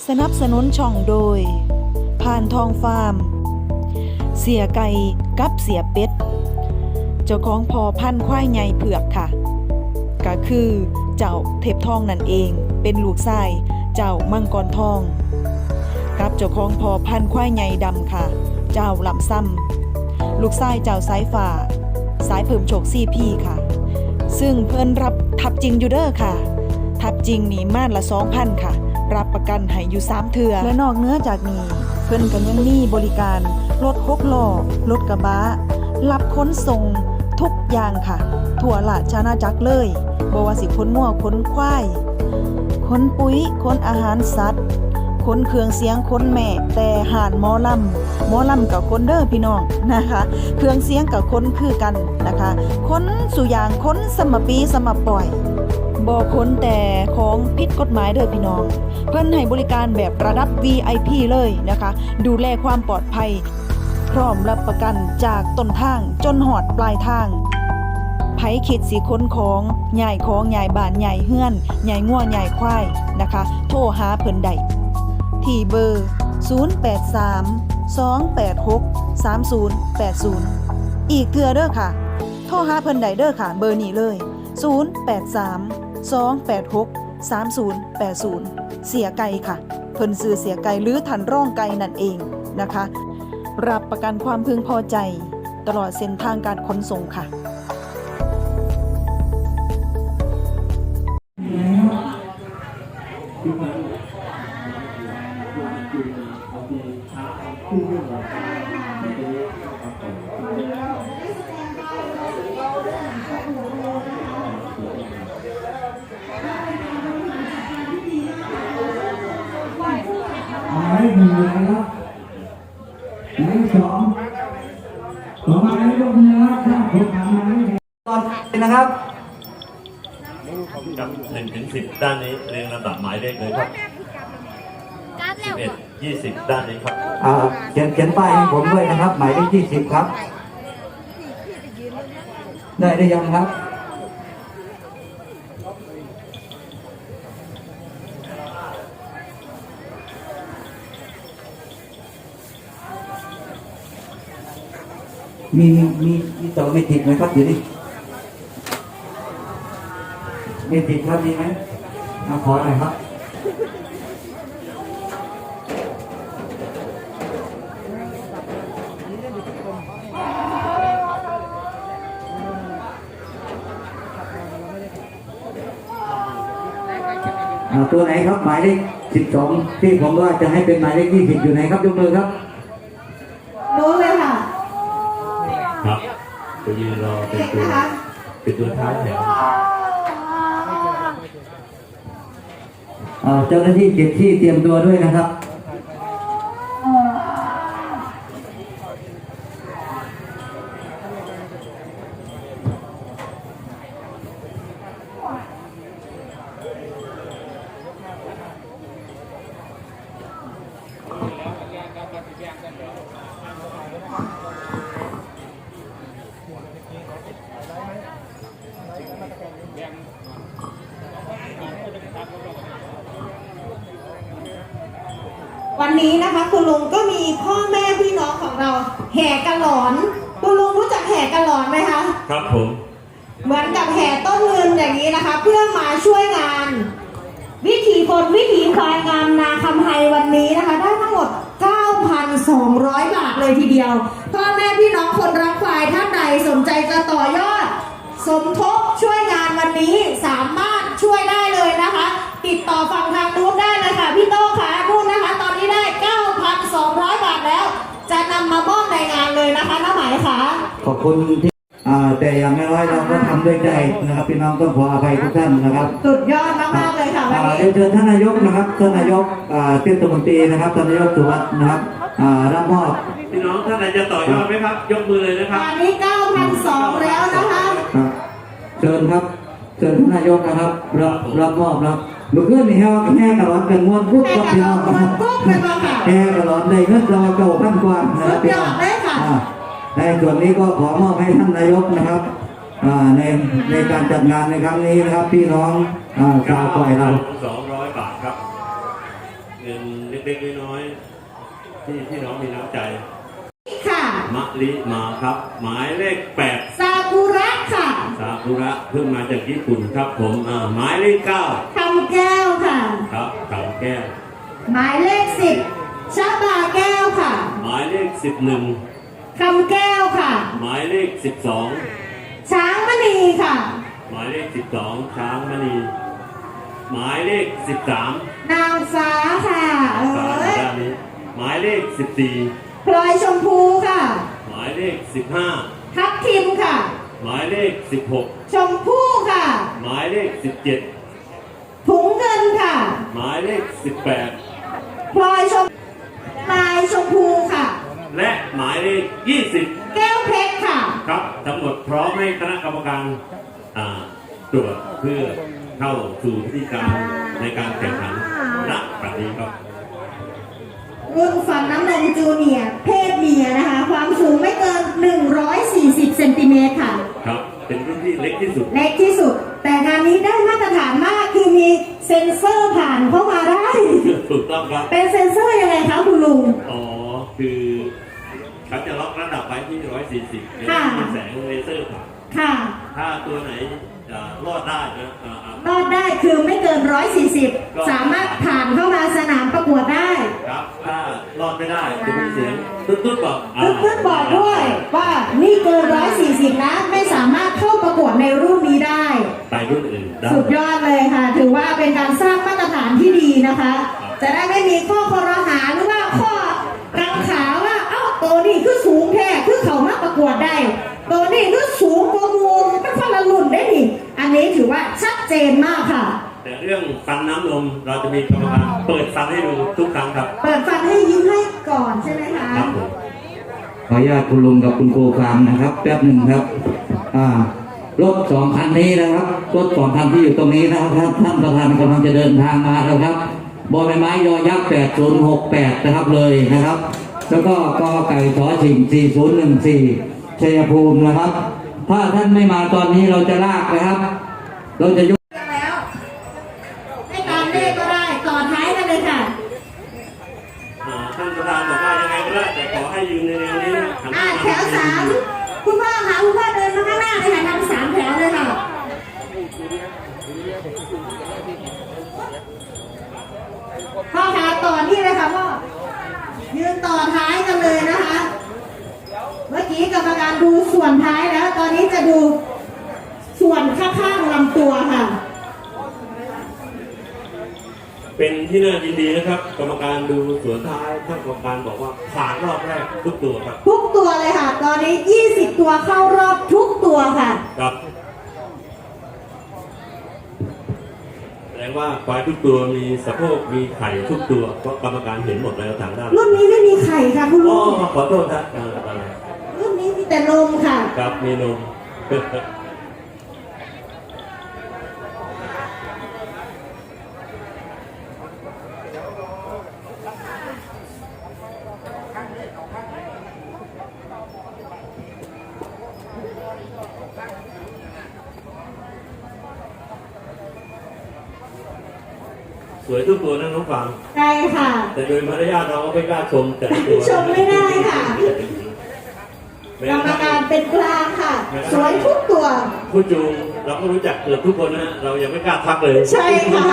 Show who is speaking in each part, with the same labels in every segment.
Speaker 1: สนับสนุนช่องโดยพานทองฟาร์มเสียไก่กับเสียเป็ดเจ้าของพอพันธุ์ควายใหญ่เผือกค่ะก็คือเจ้าเทพทองนั่นเองเป็นลูกชายเจ้ามังกรทองกับเจ้าของพอพันธุ์ควายใหญ่ดำค่ะเจ้าลำซ้ำลูกชายเจ้าสายฝ่าสายเพิ่มโชค4 พี่ค่ะซึ่งเพิ่นรับทับจริงอยู่เด้อค่ะทับจริงนี่ม่านละ 2,000 ค่ะรับประกันให้อยู่3 เทื่อและนอกเหนือจากนี้เพิ่นก็ยังมีบริการรถ6 ล้อรถกระบะรับขนส่งทุกอย่างค่ะทั่วราชอาณาจักรเลยบ่ว่าสิขนงัวขนควายขนปุ๋ยขนอาหารสัตว์ขนเครื่องเสียงขนแม่แต่หานหมอลำกับคนเด้อพี่น้องนะคะเครื่องเสียงกับคนคือกันนะคะคนสุยางคนสมปีสมปล่อยบ่คนแต่ของผิดกฎหมายเด้อพี่น้องเพิ่นให้บริการแบบระดับ VIP เลยนะคะดูแลความปลอดภัยพร้อมรับประกันจากต้นทางจนหอดปลายทางไผคิดสิค้นของใหญ่ของใหญ่บ้านใหญ่เฮือนใหญ่งัวใหญ่ควายนะคะโทรหาเพิ่นได้ที่เบอร์ 083-286-3080 อีกเทื่อเด้อค่ะโทรหาเพิ่นได้เด้อค่ะเบอร์นี้เลย 083-286-3080 เสียไก่ค่ะเพิ่นซื้อเสียไก่หรือทันร่องไก่นั่นเองนะคะรับประกันความพึงพอใจตลอดเส้นทางการขนส่งค่ะ
Speaker 2: หมายหนึ่งนะครับหมายสองต่อมาในยกมือนะครับผมถามมาตอนนะครับ
Speaker 3: กับ1 ถึง 10ด้านนี้เรียงลำดับหมายเลขเลยครับ11 20ด้านนี้ครับ
Speaker 2: เขียนป้ายให้ผมด้วยนะครับหมายเลขที่10ครับได้หรือยังครับมีต่อไม่ติดไหมครับอยู่นี่ไม่ติดครับมีไหมขอหน่อยครับตัวไหนครับหมายเลข12ที่ผมว่าจะให้เป็นหมายเลข20อยู่ไหนครับยกมือครับ
Speaker 4: รู้เลยค่ะ
Speaker 3: ครับจะยืนรอเป็นตัวท้ายแถว
Speaker 2: เจ้าหน้าที่เก็บที่เตรียมตัวด้วยนะครับ
Speaker 4: วันนี้นะคะคุณลุงก็มีพ่อแม่พี่น้องของเราแห่กระหลอนคุณลุงรู้จักแห่กระหลอนไหมคะ
Speaker 3: ครับผม
Speaker 4: เหมือนกับแห่ต้นเงินอย่างนี้นะคะเพื่อมาช่วยงานวิถีคนวิถีควายงามนาคำไฮวันนี้นะคะได้ทั้งหมด 9,200 บาทเลยทีเดียวพ่อแม่พี่น้องคนรักควายท่านใดสนใจจะต่อยอดสมทบช่วยงานวันนี้สามารถช่วยได้เลยนะคะติดต่อฝั่งทางนู้นได้เลยค่ะพี่โต้ค่ะนู่นนะคะตอนนี้ได้ 9,200 บาทแล้วจะนำมามอบในงานเลยนะคะน้าหมายค่ะ
Speaker 2: ขอบคุณที่แต่อย่างน้อยเราก็ทำด้วยใจนะครับพี่น้องต้องขออภัยทุกท่านนะครับ
Speaker 4: สุดยอดมากๆเลยค่ะวันนี้
Speaker 2: เชิญท่านนายกนะครับท่านนายกเทศมนตรีนะครับท่านนายกสุวัสดิ์นะครับรับมอบ
Speaker 3: พี่น้องท่านไหนจะต่อยอดไหมครับยกมือเลยนะครับ
Speaker 4: อันนี้ 9,200 แล้วนะคะ
Speaker 2: เชิญครับเชิญท่านนายกนะครับรับมอบครับเมื่อคืนนี้แห่กระหลอนกันม้วนปุ๊บกับพี่น้องแห่กระหลอนในเงินเรา9,000 กว่านะครับพี่น้องในส่วนนี้ก็ขอมอบให้ท่านนายกนะครับในการจัดงานในครั้งนี้นะครับพี่น้องชาวควายเรา
Speaker 3: 200 บาทครับเงินเล็กๆน้อยๆที่พี่น้องมีน้ำใจ
Speaker 4: ค่ะ
Speaker 3: มะลิมาครับ หมายเลข 8
Speaker 4: ซากุระค่ะ
Speaker 3: ซากุระเพิ่งมาจากญี่ปุ่นครับผมหมายเลข 9
Speaker 4: คำแก้วค่ะ
Speaker 3: ครับขาวแก้ว
Speaker 4: หมายเลข10ชาบาแก้วค่ะ
Speaker 3: หมายเลข 11
Speaker 4: คำแก้วค่ะ
Speaker 3: หมายเลข
Speaker 4: ช้างมณีค่ะ
Speaker 3: 12 หมายเลข 12 ช้างมณี หมายเลข 13
Speaker 4: นางฟ้าค่ะเอ้ย
Speaker 3: ด้านนี้หมายเลข
Speaker 4: พลอยชมพูค่ะ
Speaker 3: 14 หมายเลข
Speaker 4: ทับทิมค่ะ
Speaker 3: 15 หมายเลข 16
Speaker 4: ชมพู่ค่ะ
Speaker 3: หมายเลข 17
Speaker 4: ถุงเงินค่ะ
Speaker 3: หมายเลข
Speaker 4: พลอยชมลายชมพูค่ะ
Speaker 3: 18 และหมายเลข 20
Speaker 4: แก้วเพชรค่ะ
Speaker 3: ครับทั้งหมดพร้อมให้คณะกรรมการตรวจเพื่อเข้าสู่พิธีการในการแข่งขันณบัดนี้ครับ
Speaker 4: รุ่นฟันน้ำนมจูเนียร์เพศเมียนะคะ ความสูงไม่เกิน 140 เซนติเมตรค่ะ
Speaker 3: ครับเป็นรุ่นที่เล็กที่สุด
Speaker 4: เล็กที่สุด แต่งานนี้ได้มาตรฐานมากคือมีเซ็นเซอร์ผ่านเข้ามาได้
Speaker 3: ถูกต้องครับ
Speaker 4: เป็นเซ็นเซอร์ยังไงคะคุณลุง
Speaker 3: อ๋อคือเขาจะล็อกระดับไว้ที่ 140เป็น
Speaker 4: ค่ะ
Speaker 3: แสงเลเซอร์ผ่าน
Speaker 4: ค่ะ
Speaker 3: ถ้าตัวไหนรอดได้นะ
Speaker 4: รอดได้คือไม่เกิน 140 สามารถผ่านเข้ามาสนามประกวดได้
Speaker 3: ครับถ้ารอดไม่ได้จะมีเสียงตุ๊ดๆบอก
Speaker 4: เพื่อนๆบอกด้วยว่านี่เกิน 140 นะ ไม่สามารถเข้าประกวดในรุ่นนี้ได้
Speaker 3: ไปรุ่นอื่นได้
Speaker 4: สุดยอดเลยค่ะ ถือว่าเป็นการสร้างมาตรฐานที่ดีนะคะ จะได้ไม่มีข้อคอรหาหรือว่าข้อกังขาว่าเอ้าตัวนี้คือสูงแท้คือเขามาประกวดได้ ตัวนี้คือสูงกว่ามูลเป็นคนละรุ่นได้นี่อันนี้ถือว่าชัดเจนมากค่ะ
Speaker 3: แต่เรื่องฟันน้ำนมเราจะมีกรรมการเปิดฟันให้ดูทุกครั้งครับ
Speaker 4: เปิดฟันให้ยิ้มให้ก่อนใช่ไหมคะ
Speaker 3: ครับผม
Speaker 2: ขออนุญาตคุณลุงกับคุณครูฟังนะครับแป๊บหนึ่งครับรถสองคันนี้นะครับรถสองคันที่อยู่ตรงนี้นะครับท่านประธานกำลังจะเดินทางมาแล้วครับบอใบไม้ยอยักษ์8068นะครับเลยนะครับ แล้วก็กอไก่ชอชิง4014ชัยภูมินะครับ ถ้าท่านไม่มาตอนนี้เราจะลากนะครับ เราจะยก
Speaker 4: แล้วให้ตามเลขก็ได้ต่อท้ายกันเลยค่ะ
Speaker 3: ท่านประธานบอกว่ายังไงก็ได้แต่ขอให้ยืนในแนวนี้นะหันหน้า
Speaker 4: แถว3คุณพ่อคะคุณพ่อเดินมาข้างหน้าเลยค่ะทำ3 แถวเลยค่ะพ่อคะต่อนี่เลยค่ะพ่อยืนต่อท้ายกันเลยนะคะ เมื่อกี้กรรมการดูส่วนท้ายแล้ว ตอนนี้จะดูส่วนข้างๆลำตัวค่ะ
Speaker 3: เป็นที่น่ายินดีนะครับ กรรมการดูสวนท้ายท่านกรรมการบอกว่าผ่านรอบแรกทุกตัวครับ
Speaker 4: ทุกตัวเลยค่ะ ตอนนี้20 ตัวเข้ารอบทุกตัวค่ะ
Speaker 3: ครับแสดงว่าควายทุกตัวมีสะโพกมีไข่ทุกตัวเพราะกรรมการเห็นหมดแล้วทางด้าน
Speaker 4: รุ่นนี้ไม่มีไข่ค่ะคุณ
Speaker 3: อ๋อ
Speaker 4: ลุง
Speaker 3: ขอโทษนะอะไร
Speaker 4: รุ่นนี้มีแต่นมค่ะ
Speaker 3: ครับมีนม สวยทุกตัวนะน้องฟัง
Speaker 4: ใช่ค่ะ
Speaker 3: แต่โดยมารยาทเราก็ไม่กล้าชมแต่ละตัว
Speaker 4: ชมไม่ได้ค่ะ
Speaker 3: แม้
Speaker 4: กรรม
Speaker 3: กระทั่
Speaker 4: การ
Speaker 3: ง
Speaker 4: เป็นกลางค่ะ สวยทุกตัว
Speaker 3: ผู้จูงเราก็รู้จักเกือบทุกคนนะเรายังไม่กล้าทักเลย
Speaker 4: ใช่ค่ะ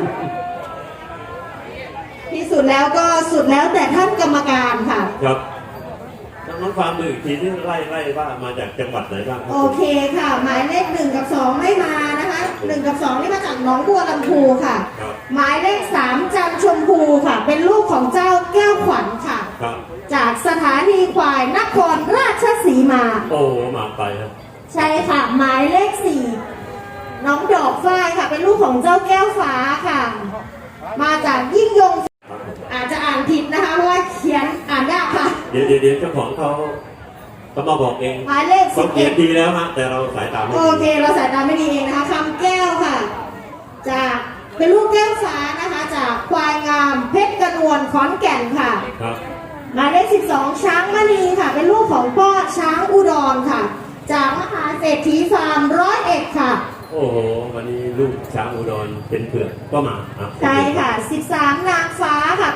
Speaker 4: ที่สุดแล้วก็สุดแล้วแต่ท่านกรรมการค่ะ
Speaker 3: ครับน้องฟาร์มดูอีกทีที่ไล่ว่ามาจากจังหวัดไหนบ้างครับ
Speaker 4: โอเคค่ะ หมายเลข1 กับ 2 ไม่มานะคะ1 กับ 2 นี่มาจากหนองบัวลำพูค่ะ
Speaker 3: ครับ
Speaker 4: หมายเลข3 จันทร์ชมพูค่ะ เป็นลูกของเจ้าแก้วขวัญค่ะ
Speaker 3: ครับ
Speaker 4: จากสถานีควายนครราชสีมา
Speaker 3: โอ้มาไปครับ
Speaker 4: ใช่ค่ะ หมายเลข4 น้องดอกฝ้ายค่ะ เป็นลูกของเจ้าแก้วฟ้าค่ะ มาจากยิ่งยง
Speaker 3: ครับผม
Speaker 4: อาจจะอ่านผิดนะคะเพราะว่าเขียนอ่านยากค่ะ
Speaker 3: เดี๋ยวเจ้าของเขามาบอกเอง
Speaker 4: หมายเลข
Speaker 3: เขาเขียนดีแล้วฮะแต่เราสายตาไม่
Speaker 4: โอ
Speaker 3: ดี
Speaker 4: เค เราสายตาไม่ดีเองนะคะคำแก้วค่ะ จากเป็นลูกแก้วฟ้านะคะ จากควายงามเพชรกระนวลขอนแก่นค่ะ
Speaker 3: ครับ
Speaker 4: หมายเลข12 ช้างมณีค่ะ เป็นลูกของพ่อช้างอุดรค่ะ จากมหาเศรษฐีฟาร์ม101ค่ะ
Speaker 3: โอ้โหวันนี้ลูกช้างอุดรเป็นเผือกก็มาอ่
Speaker 4: ใช่ค่ะ13 นางฟ้าค่ะ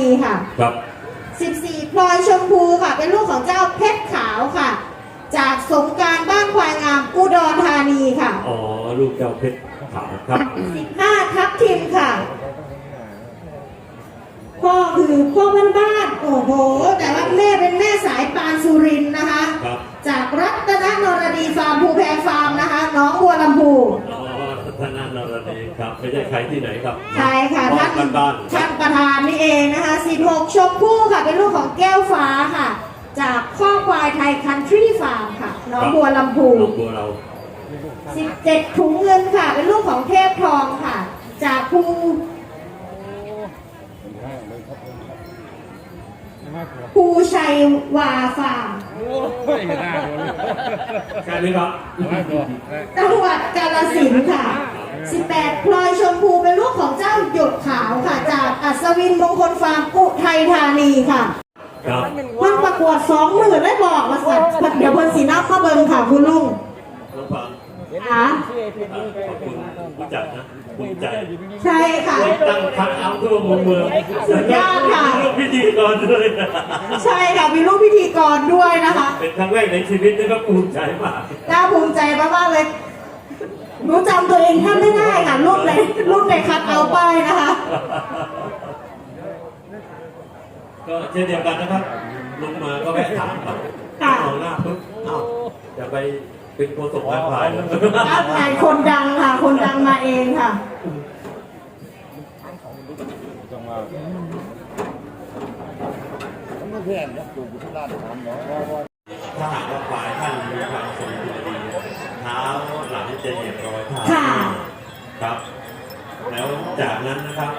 Speaker 4: ค่ะ
Speaker 3: ครับ
Speaker 4: 14พลอยชมพูค่ะ เป็นลูกของเจ้าเพชรขาวค่ะ จากสงกรานต์บ้านควายงามอุดรธานีค่ะ
Speaker 3: อ๋อลูกเจ้าเพชรขาวครับ
Speaker 4: 15ทับทิมค่ะพ่อคือพ่อบ้านๆโอ้โหแต่ว่าแม่เป็นแม่สายปานสุรินทร์นะคะ
Speaker 3: ครับ
Speaker 4: จากรัตนนรดีฟาร์มภูแพฟาร์มนะคะน้องบัวลำพู
Speaker 3: อ๋อท่านนรดีครับไม่ใช่ใครที่ไหนครับ
Speaker 4: ใช่ค่ะ
Speaker 3: บ้านบ้าน
Speaker 4: ท่านประธานนี่เองนะคะ16ชมพู่ค่ะเป็นลูกของแก้วฟ้าค่ะ จากข้อควายไทยคันทรีฟาร์มค่ะน้องบัวลำพู
Speaker 3: น้องบัวเรา
Speaker 4: 17ถุงเงินค่ะ เป็นลูกของเทพทองค่ะ จากภูชัยวาฟาร์ม
Speaker 3: แค่นี้ครับ
Speaker 4: จังหวัดกาฬสินธุ์ค่ะ 18พลอยชมพูเป็นลูกของเจ้าหยดขาวค่ะ จากอัศวินมงคลฟาร์มอุทัยธานีค่ะ
Speaker 3: ครับ
Speaker 4: มันประกวด20,000ได้บอกมาสัตว์เดี๋ยวเพิ่นสีนับมาเบิ่งค่ะคุณลุง
Speaker 3: น้องฟัง
Speaker 4: ค่ะ
Speaker 3: ขอบคุณผู้จัดนะภูมิใจ
Speaker 4: ใช่ค่ะ
Speaker 3: ตั้งพักเอาทั่วมุมเมือง
Speaker 4: สุดยอดค่ะ
Speaker 3: ลูกพิธีกรด้วย
Speaker 4: ใช่ค่ะมีลูกพิธีกรด้วยนะคะ
Speaker 3: เป็นครั้งแรกในชีวิตนะครับภูมิใจมาก
Speaker 4: น่าภูมิใจมากๆเลยรู้จำตัวเองแทบไม่ได้ค่ะรูปในคัดเอาป้ายนะคะ
Speaker 3: ก็เช่นเดียวกันนะครับลงมาก็แวะถามครับ
Speaker 4: ค่ะ
Speaker 3: มองหน้าปุ๊บเอ้าจะไปเป็นโฆษกนักพาย
Speaker 4: ครับนายคนดังค่ะ คนดังมาเองค่ะ
Speaker 3: ถ้าหากว่าฝ่ายท่านมีความสมดุลดีเท้าหลังจะเหยียบรอยเท้า
Speaker 4: ค่ะ
Speaker 3: ครับ แล้วจากนั้นนะครับ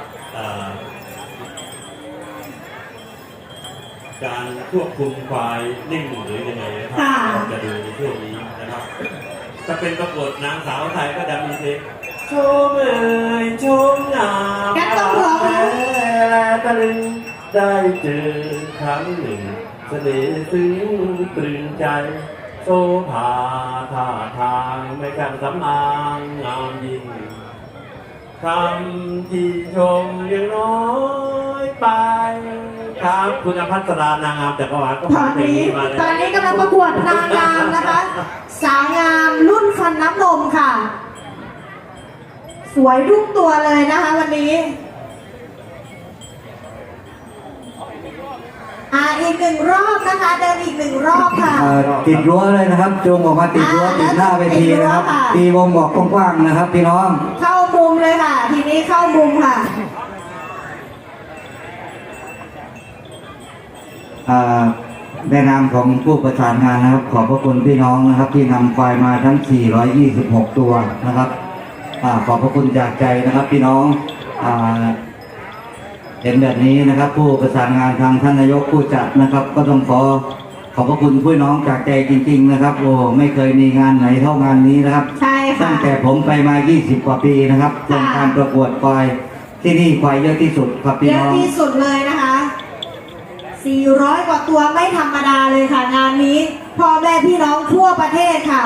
Speaker 3: การควบคุมควายนิ่งหรือยังไงนะครั
Speaker 4: ค่ะ
Speaker 3: เราจะดูในช่วงนี้นะครับถ้าเป็นประกวดนางสาวไทยก็จะมีเพลงชมเอ่ยชมงาม
Speaker 4: งั้นต้องร้อง
Speaker 3: และตะลึงได้เจอครั้งหนึ่งเสน่ห์ซึ้งตรึงใจโซภาท่าทางไม่กันสำอางงามยิ่งคำที่ชมยังน้อยไปครับคุณอภัสรานางงามจักรวาลก็
Speaker 4: ตอนนี้
Speaker 3: มาเลย
Speaker 4: ตอนนี้กำลังประกวดนางงามนะคะ สาวงามรุ่นฟันน้ำนมค่ะ สวยทุกตัวเลยนะคะวันนี้อีกหนึ่งรอบนะคะ เดินอีกหนึ่งรอบค่ะ
Speaker 2: ติดรั้วเลยนะครับจูงออกมาติดรั้วติดหน้าเวทีนะครับ
Speaker 4: ติดรั้วค่ะ
Speaker 2: ตีวงบอกกว้างๆนะครับพี่น้อง
Speaker 4: เข้ามุมเลยค่ะ ทีนี้เข้ามุมค่ะ
Speaker 2: ในนามของผู้ประสานงานนะครับ ขอบพระคุณพี่น้องนะครับ ที่นำควายมาทั้ง 426 ตัวนะครับขอบพระคุณจากใจนะครับ พี่น้องเห็นแบบนี้นะครับ ผู้ประสานงานทางท่านนายกผู้จัดนะครับ ก็ต้องขอบพระคุณพี่น้องจากใจจริง ๆ นะครับ โอ้ไม่เคยมีงานไหนเท่างานนี้นะครับ
Speaker 4: ใช่ค่ะ
Speaker 2: ตั้งแต่ผมไปมา 20 กว่าปีนะครับโครงการประกวดควายที่นี่ควายเยอะที่สุดครับพี่
Speaker 4: เย
Speaker 2: น้
Speaker 4: อะ
Speaker 2: อง
Speaker 4: ที่สุดเลยนะคะ 400 กว่าตัวไม่ธรรมดาเลยค่ะ งานนี้พ่อแม่พี่น้องทั่วประเทศค่ะ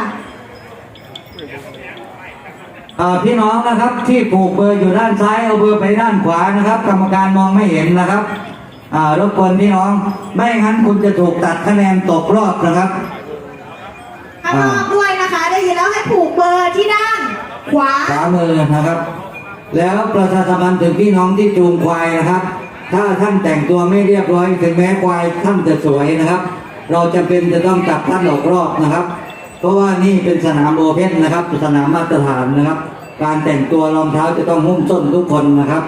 Speaker 2: พี่น้องนะครับที่ผูกเบอร์อยู่ด้านซ้ายเอาเบอร์ไปด้านขวานะครับ กรรมการมองไม่เห็นนะครับรบกวนพี่น้องไม่งั้นคุณจะถูกตัดคะแนนตกรอบนะครับ
Speaker 4: ข้างนอกด้วยนะคะ ได้ยินแล้วให้ผูกเบอร์ที่ด้านขวา
Speaker 2: ขวามือนะครับ แล้วประชาสัมพันธ์ถึงพี่น้องที่จูงควายนะครับ ถ้าท่านแต่งตัวไม่เรียบร้อยถึงแม้ควายท่านจะสวยนะครับ เราจำเป็นจะต้องจับท่านออกรอบนะครับ เพราะว่านี่เป็นสนามโอเพ่นนะครับสนามมาตรฐานนะครับ การแต่งตัวรองเท้าจะต้องหุ้มส้นทุกคนนะครับ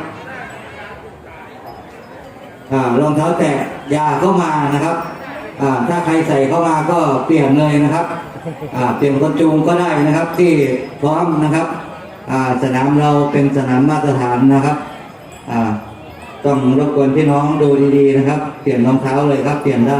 Speaker 2: รองเท้าแตะอย่าเข้ามานะครับถ้าใครใส่เข้ามาก็เปลี่ยนเลยนะครับเปลี่ยนคนจูงก็ได้นะครับที่พร้อมนะครับสนามเราเป็นสนามมาตรฐานนะครับต้องรบกวนพี่น้องดูดีๆนะครับ เปลี่ยนรองเท้าเลยครับ เปลี่ยนได้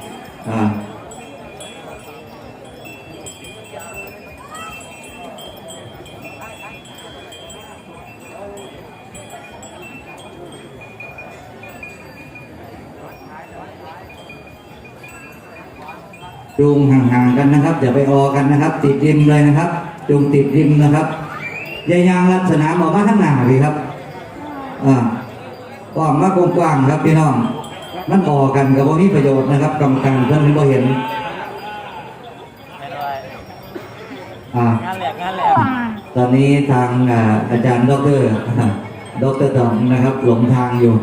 Speaker 2: จูงห่างๆกันนะครับอย่าไปออกันนะครับ ติดริมเลยนะครับจูงติดริมนะครับยายางลัดสนามออกมาข้างหน้าเลยครับกว้างมากกว้างๆครับพี่น้องมันต่อกันกับว่ามีประโยชน์นะครับกรรมการเพิ่นบ่เห็นตอนนี้ทางอาจารย์ดรตองนะครับหลงทางอยู่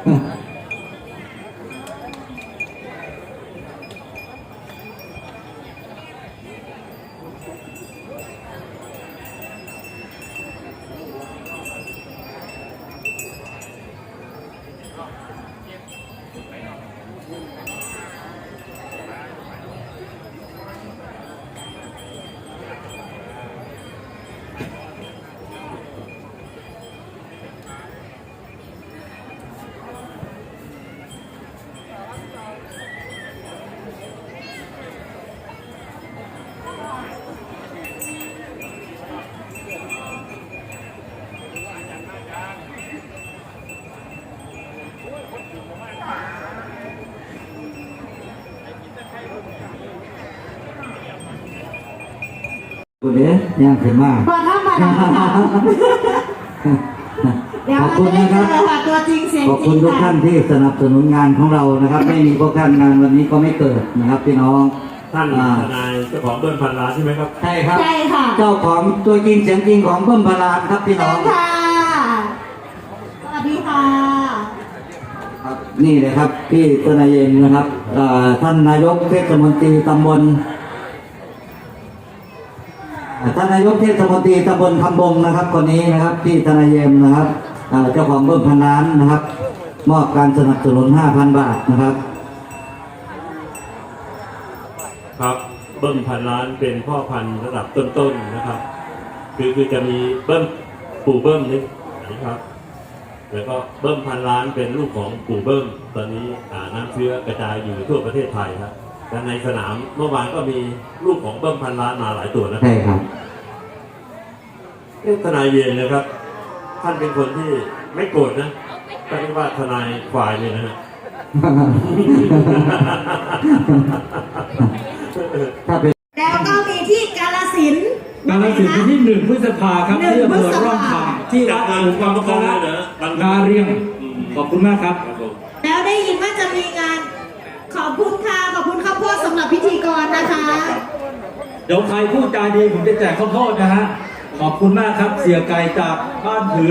Speaker 2: คุณเด้ย่างขึ้นมา
Speaker 4: พอธรรมดาค่ะเดี๋ยว
Speaker 2: ขอบ
Speaker 4: เรา
Speaker 2: คุณ
Speaker 4: จะได้
Speaker 2: นะค
Speaker 4: เจ
Speaker 2: รับ
Speaker 4: อค่ะตัวจริงเสียง
Speaker 2: ขอบ
Speaker 4: จริ
Speaker 2: คุณ
Speaker 4: ง
Speaker 2: ทุกท่า
Speaker 4: ค่ะ
Speaker 2: นที่สนับสนุนงานของเรานะครับ ไม่มีพวกท่านงานวันนี้ก็ไม่เกิดนะครับพี่น้อง
Speaker 3: ท่านทนายเจ้าของเบิ้ลพันล้านใช่ไหมครับ
Speaker 2: ใช่ครับ
Speaker 4: ใช่ค่ะ
Speaker 2: เจ้าของตัวจริงเสียงจริงของเพิ่มพลานครับพี่น้
Speaker 4: เชิ
Speaker 2: อง
Speaker 4: ญค่ะสวัสดีค่ะ
Speaker 2: ครับนี่เลยครับพี่ตนายเย็นนะครับท่านนายกเทศมนตรีตำบลท่านนายกเทศมนตรีตำบลคำบงนะครับคนนี้นะครับพี่ตนายเย็นนะครับเจ้าของเบิ้มพันล้านนะครับ มอบการสนับสนุน 5,000 บาทนะครับ
Speaker 3: ครับเบิ้มพันล้านเป็นพ่อพันธุ์ระดับต้นๆนะครับคือจะมีเบิ้มปู่เบิ้มนี่นะครับแล้วก็เบิ้มพันล้านเป็นลูกของปู่เบิ้มตอนนี้น้ำเชื้อกระจายอยู่ทั่วประเทศไทยครับและในสนามเมื่อวานก็มีลูกของเบิ้มพันล้านมาหลายตัวนะ
Speaker 2: ใช่ครับ
Speaker 3: ทนายเย็นนะครับ ท่านเป็นคนที่ไม่โกรธนะก็เรียกว่าทนายฝ่ายเลยนะฮะ
Speaker 2: ถ้าเป็น
Speaker 4: แล้วก็มีที่กาฬสินธุ์
Speaker 5: กาฬสินธุ์วันที่1 พฤษภาครับ
Speaker 4: หนึ่ง
Speaker 5: ที่อำ
Speaker 4: พ
Speaker 5: เภ
Speaker 4: ฤ
Speaker 5: อ
Speaker 4: ษภา
Speaker 5: ร่องคำที่วัดหลวงพ่อคณะนาเรียงขอบคุณมากครับ
Speaker 4: แล้วได้ยินว่าจะมีงานขอบคุณค่ะขอบคุณข้าวโพดสำหรับพิธีกรนะคะ
Speaker 5: เดี๋ยวใครพูดจาดีผมจะแจกข้าวโพดนะฮะขอบคุณมากครับเสียไก่จากบ้านถือก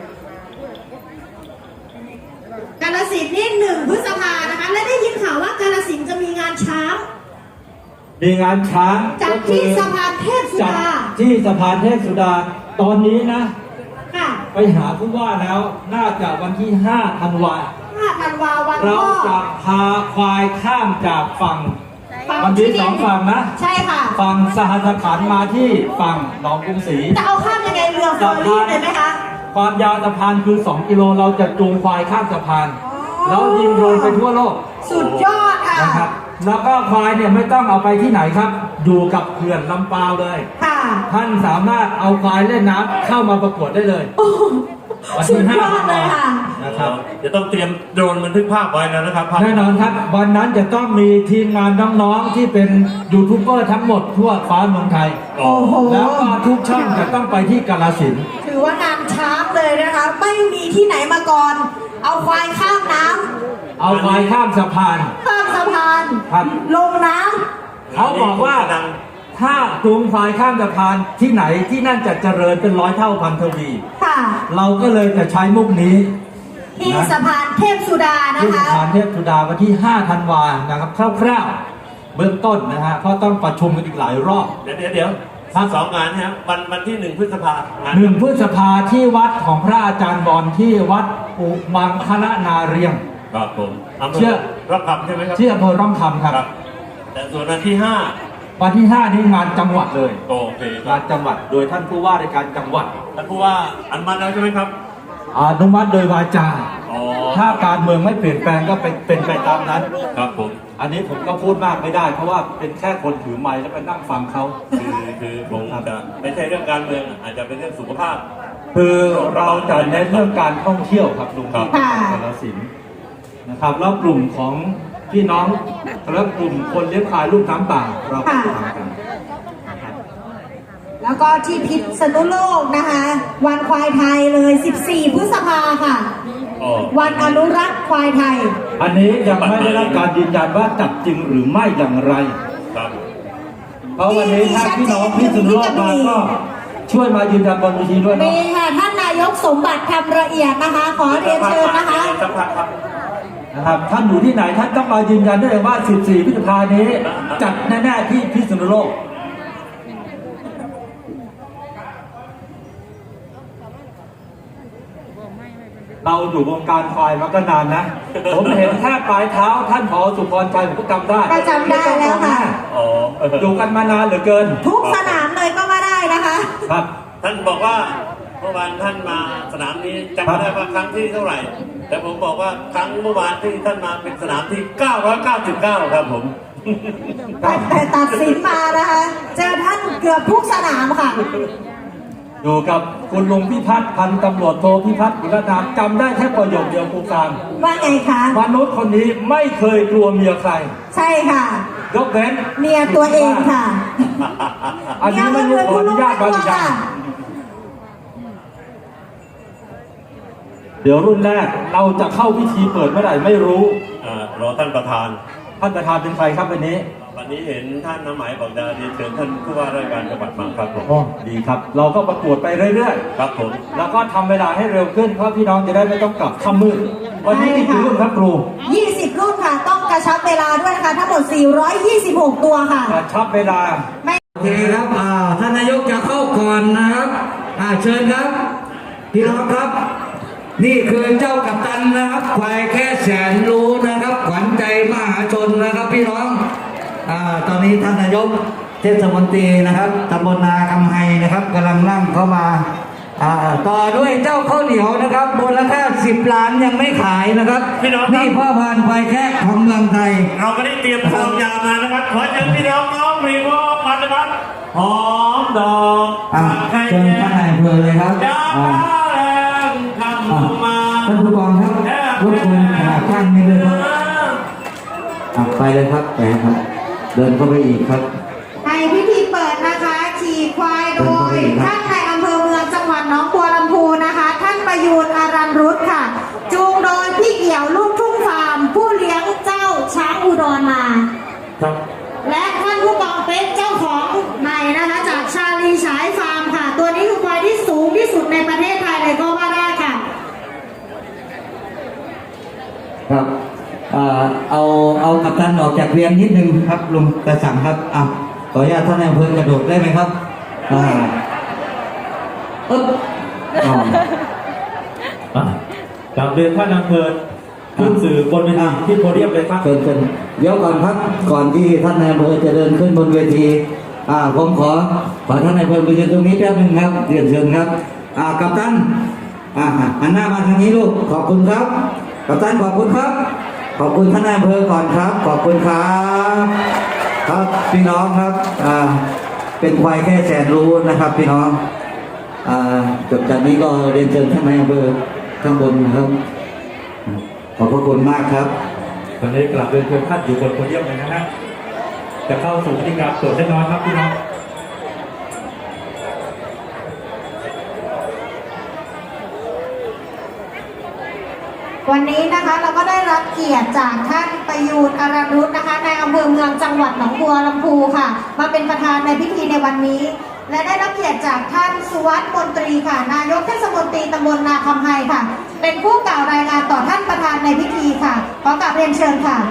Speaker 4: าฬสินธุ์นี่1 พฤษภานะคะ และได้ยินข่าวว่ากาฬสินธุ์จะมีงานช้าง
Speaker 5: มีงานช้าง
Speaker 4: จัดที่สะพานเทพสุ
Speaker 5: จัด
Speaker 4: ดา
Speaker 5: ที่สะพานเทพสุดาตอนนี้นะ
Speaker 4: ค่ะ
Speaker 5: ไปหาผู้ว่าแล้วน่าจะวันที่5 ธันวา
Speaker 4: 5 ธันวาวัน
Speaker 5: เรา
Speaker 4: พ่อ
Speaker 5: จะพาควายข้ามจากฝั่ง
Speaker 4: ฝั่ง
Speaker 5: มันมี
Speaker 4: ที่
Speaker 5: 2 ฝั่งนะ
Speaker 4: ใช่ค่ะ
Speaker 5: ฝั่งสหัสขันธ์มาที่ฝั่งหนองกรุงศรี
Speaker 4: จะเอาข้ามยังไงเรือเฟอร์รี่เลยไหมคะ
Speaker 5: ความยาวสะพานคือ 2 กิโลเราจะจูงควายข้ามสะพาน แล้วยิงโดรนไปทั่วโลก
Speaker 4: สุดยอดค่ะ
Speaker 5: นะครับ แล้วก็ควายเนี่ยไม่ต้องเอาไปที่ไหนครับ อยู่กับเขื่อนลำปาวเลย
Speaker 4: ค่ะ
Speaker 5: ท่านสามารถเอาควายเล่นน้ำเข้ามาประกวดได้เลย
Speaker 4: โอ้โห
Speaker 5: วัน
Speaker 4: สุ
Speaker 5: ที่
Speaker 4: ดยอดเลยค่ะ
Speaker 5: นะครับ
Speaker 3: จะต้องเตรียมโดรนบันทึกภาพไว้แล้วนะครับภาพ
Speaker 5: แน่นอนครับวันนั้นจะต้องมีทีมงานน้องๆที่เป็นยูทูบเบอร์ทั้งหมดทั่วฟ้าเมืองไทย
Speaker 4: โอ้โห
Speaker 5: แล้วก็ทุกช่องจะต้องไปที่กาฬสินธุ์
Speaker 4: ถือว่างานช้างเลยนะคะ ไม่มีที่ไหนมาก่อน เอาควายข้ามน้ำ
Speaker 5: เอาควายข้ามสะพาน
Speaker 4: ข้ามสะพาน
Speaker 5: ครับ
Speaker 4: ลงน้
Speaker 5: เขาบอกว่าถ้าจูงควายข้ามสะพานที่ไหนที่นั่นจะเจริญเป็น100 เท่าพันทวี
Speaker 4: ำค่ะ
Speaker 5: เราก็เลยจะใช้มุกนี้
Speaker 4: ที่สะพานเทพสุดานะ
Speaker 5: ที่ส
Speaker 4: คะ
Speaker 5: ถานเทพสุดาวันที่ 5 ธันวานะครับคร่าวๆเบื้องต้นนะฮะเพราะต้องประชุมกันอีกหลายรอบ
Speaker 3: เดี๋ยว
Speaker 5: ครับ
Speaker 3: สองงานนะครับวันที่1 พฤษภาคม
Speaker 5: 1 พฤษภาที่วัดของพระอาจารย์บอลที่วัดอุมังคณนาเรียง
Speaker 3: ครับผมอำเภ
Speaker 5: เชื่
Speaker 3: อ
Speaker 5: อ
Speaker 3: รับคำใช่ไหมครับ
Speaker 5: ที่อำเภอร่องคำครับ
Speaker 3: ครับ แต่ส่วนวันที่
Speaker 5: วันที่ 5 นี้งานจังหวัดเลย
Speaker 3: 5โอเคค
Speaker 5: งา
Speaker 3: รับ
Speaker 5: นจังหวัดโดยท่านผู้ว่าราชการจังหวัด
Speaker 3: ท่านผู้ว่าอนุมัติแล้วใช่ไหมครับ
Speaker 5: อนุมัติโดยวาจา
Speaker 3: อ๋อ
Speaker 5: ถ้าการเมืองไม่เปลี่ยนแปลงก็เป็นไปตามนั้น
Speaker 3: ครับผม
Speaker 5: อันนี้ผมก็พูดมากไม่ได้ เพราะว่าเป็นแค่คนถือไมค์แล้วไปนั่งฟังเขา
Speaker 3: คือผมจะไม่ใช่เรื่องการเมืองอาจจะเป็นเรื่องสุขภาพ
Speaker 5: คือเราจะเน้นเรื่องการท่องเที่ยวครับลุง
Speaker 3: ครับ
Speaker 5: ที่กาฬสินธุ์นะครับแล้วกลุ่มของพี่น้องและกลุ่มคนเลี้ยงควายลูกน้ำป่าเราก็จะทำกัน
Speaker 4: แล้วก็ที่พิษณุโลกนะคะ วันควายไทยเลย 14 พฤษภาค่ะ
Speaker 3: อ๋อ
Speaker 4: วันอนุรักษ์ควายไทย
Speaker 5: อันนี้ยังไม่ได้รับการยืนยันว่าจับจริงหรือไม่อย่างไร
Speaker 3: ครับ
Speaker 5: เพราะวันนี้ถ้าพี่น้องพิษณุโลกมาก็ช่วยมายืนยันบนเวทีด้วย
Speaker 4: มี
Speaker 5: เนาะ
Speaker 4: ค่ะท่านนายกสมบัติคำละเอียดนะคะ ขอเรียนเชิญนะคะ
Speaker 3: สักพักครับ
Speaker 5: นะครับท่านอยู่ที่ไหนท่านต้องมายืนยันได้เลยว่า 14 พฤษภาคมนี้จัดแน่ๆที่พิษณุโลก เราอยู่วงการควายมาก็นานนะ ผมเห็นแค่ปลายเท้าท่านผอสุพรชัยผมก็จำได้
Speaker 4: ก็จำได้แล้วค่ะ
Speaker 3: อ๋อ
Speaker 5: อยู่กันมานานเหลือเกิน
Speaker 4: ทุกสนามเลยก็มาได้นะคะ
Speaker 5: ครับ
Speaker 3: ท่านบอกว่าเมื่อวานท่านมาสนามนี้จำไม่ได้ว่าครั้งที่เท่าไหร่ แต่ผมบอกว่าครั้งเมื่อวานที่ท่านมาเป็นสนามที่ 999 ครับผม
Speaker 4: แต่ตัดสินมานะคะ เจอท่านเกือบทุกสนามค่ะ
Speaker 5: อยู่กับคุณลุงพิพัฒน์พันตำรวจโทพิพัฒน์อิรนามจำได้แค่ประโยคเดียวครูการ
Speaker 4: ว่าไงคะ
Speaker 5: มนุษย์คนนี้ไม่เคยกลัวเมียใคร
Speaker 4: ใช่ค่ะ
Speaker 5: ยกเว้น
Speaker 4: เมียตัวเองค่ะ
Speaker 5: อันนี้ไม่รู้ขออนุญาตบางอย่างเดี๋ยวรุ่นแรกเราจะเข้าพิธีเปิดเมื่อไหร่ไม่รู้
Speaker 3: รอท่านประธาน
Speaker 5: ท่านประธานเป็นใครครับวันนี้
Speaker 3: วันนี้เห็นท่านน้ำหมายบอกจะเรียนเชิญท่านผู้ว่าราชการจังหวัดมาครับผม
Speaker 5: อ๋อดีครับ เราก็ประกวดไปเรื่อย
Speaker 3: ครับผม
Speaker 5: ๆ แล้วก็ทำเวลาให้เร็วขึ้นเพราะพี่น้องจะได้ไม่ต้องกลับค่ำมืดวันนี้มีกี่รุ่นครับครู
Speaker 4: 20 รุ่นค่ะ ต้องกระชับเวลาด้วยนะคะ ทั้งหมด 426 ตัวค่ะ
Speaker 5: กระชับเวลา
Speaker 2: โอเคครับท่านนายกจะเข้าก่อนนะครับเชิญครับ พี่น้องครับ นี่คือเจ้ากัปตันนะครับควายแค่แสนรู้นะครับ ขวัญใจมหาชนนะครับพี่น้องตอนนี้ท่านนายกเทศมนตรีนะครับตำบลนาคำไฮนะครับกำลังนั่งเข้ามาต่อด้วยเจ้าข้าวเหนียวนะครับมูลค่า10 ล้านยังไม่ขายนะครับ
Speaker 3: พี่น้องครับ
Speaker 2: นี่พ่อพันธุ์ควายแค่ของเมืองไทย
Speaker 3: เราก็ได้เตรียมพร้อมยามานะครับ ขอเชิญพี่น้องน้องมีวอกันนะครับ หอมดอก
Speaker 2: เชิญท่านนายอำเภอเลยครับ
Speaker 3: ยาแรงคำมา
Speaker 2: ท่านผู้กองครับรบกวนข้างนี้เลยครับไปเลยครับไปครับ เดินเข้าไปอีกครับ
Speaker 4: ในพิธีเปิดนะคะขี่ควายโดยท่านในอำเภอเมืองจังหวัดหนองบัวลำพูนะคะ ท่านประยูนอารันรุตค่ะ จูงโดยพี่เกี่ยวลูกทุ่งฟาร์ม ผู้เลี้ยงเจ้าช้างอุดรมา
Speaker 2: ครับ
Speaker 4: และท่านผู้กองเป็นเจ้าของใหม่นะคะจากชาลีฉายฟาร์มค่ะ ตัวนี้คือควายที่สูงที่สุดในประเทศไทยเลยก็ว่าได้ค่ะ
Speaker 2: ครับเอากัปตันออกจากเรียนนิดนึงครับลุงกระสังครับขออนุญาตท่านนายอำเภอกระโดดได้ไหมครับ
Speaker 5: กลับเรียนท่านอำเภอขึ้นสื่อบนเวทีที่โพเดียมเลยครับ
Speaker 2: เชิญเดี๋ยวก่อนครับก่อนที่ท่านนายอำเภอจะเดินขึ้นบนเวทีผมขอท่านนายอำเภอไปยืนตรงนี้แป๊บนึงครับเรียนเชิญครับกัปตันหันหน้ามาทางนี้ลูกขอบคุณครับกัปตันขอบคุณครับ ขอบคุณท่านนายอำเภอก่อนครับ ขอบคุณครับครับพี่น้องครับเป็นควายแค่แสนรู้นะครับพี่น้องจบจากนี้ก็เรียนเชิญท่านนายอำเภอข้างบนนะครับขอบพระคุณมากครับ
Speaker 5: ตอนนี้กลับเรียนเชิญท่านอยู่บนโพเดียมเลยนะฮะจะเข้าสู่พิธีการตรวจเล็กน้อยครับพี่น้อง
Speaker 4: วันนี้นะคะเราก็ได้รับเกียรติจากท่านประยูนอารันรุตนะคะในอำเภอเมืองจังหวัดหนองบัวลำพูค่ะ มาเป็นประธานในพิธีในวันนี้ และได้รับเกียรติจากท่านสุวัสดิ์มนตรีค่ะ นายกเทศมนตรีตำบลนาคำไฮค่ะ เป็นผู้กล่าวรายงานต่อท่านประธานในพิธีค่ะขอกราบเรียนเชิญค่ะ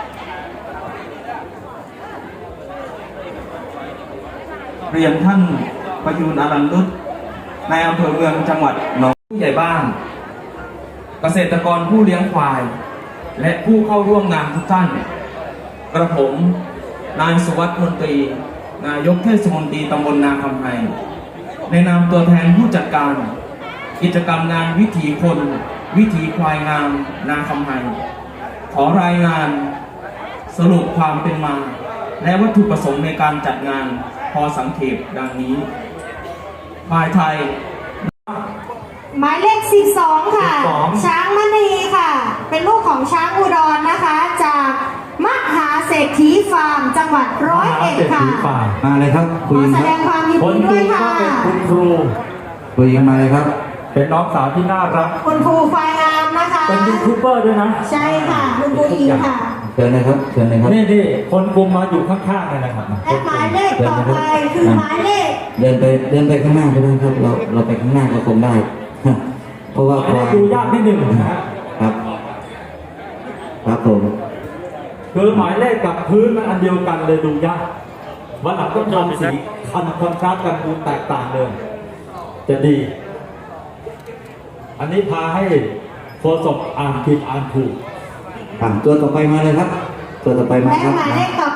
Speaker 6: เรียนท่านประยูนอารันรุตในอำเภอเมืองจังหวัดหนองผู้ใหญ่บ้าน เกษตรกรผู้เลี้ยงควาย และผู้เข้าร่วมงานทุกท่าน กระผมนายสุวัสดิ์มนตรี นายกเทศมนตรีตำบลนาคำไฮในนามตัวแทนผู้จัดการ กิจกรรมงานวิถีคนวิถีควายงามนาคำไฮขอรายงานสรุปความเป็นมา และวัตถุประสงค์ในการจัดงานพอสังเขปดังนี้ควายไทย
Speaker 4: หมายเลข 12 ค่ะ
Speaker 6: 12
Speaker 4: ช้างมณีค่ะ เป็นลูกของช้างอุดรนะคะ จากมหาเศรษฐีฟาร์มจังหวัด101 ค่ะ
Speaker 2: มาเลยครับ
Speaker 4: ข
Speaker 2: คุย
Speaker 4: อ
Speaker 2: กัน
Speaker 4: แส
Speaker 2: ค
Speaker 4: ด
Speaker 2: รับ
Speaker 4: งความยินดีด้วยค่ะ
Speaker 5: คุณครู
Speaker 2: คุยกันมาเลยครับ
Speaker 5: เป็นน้องสาวที่น่ารัก
Speaker 4: คุณครูควายงามนะคะ
Speaker 5: เป็นยูทูบเบอร์ด้วยนะ
Speaker 4: ใช่ค่ะคุณครูอีค่ะ
Speaker 2: เชิญนะครับเชิญนะครับ
Speaker 5: นี่คนกลุ่มมาอยู่ข้างๆเลยนะครับ
Speaker 4: และหมายเลขต่อไปคือหมายเลข
Speaker 2: เดินไปข้างหน้าก็ได้ครับ เราไปข้างหน้าก็คงได้ เพราะว่า
Speaker 5: อันนี้ดูยากนิดหนึ่งนะฮะ
Speaker 2: ครับครับผม
Speaker 5: คือหมายเลขกับพื้นมันอันเดียวกันเลยดูยากวันหลังต้องทำสีคอนทราสต์กันดูแตกต่างเลยจะดี อันนี้พาให้โฆษกอ่านผิดอ่านถูก
Speaker 2: ตัวต่อไปมาเลยครับ ตัวต่อไปมา
Speaker 4: และ
Speaker 2: ครับ
Speaker 4: หมายเลขต่อ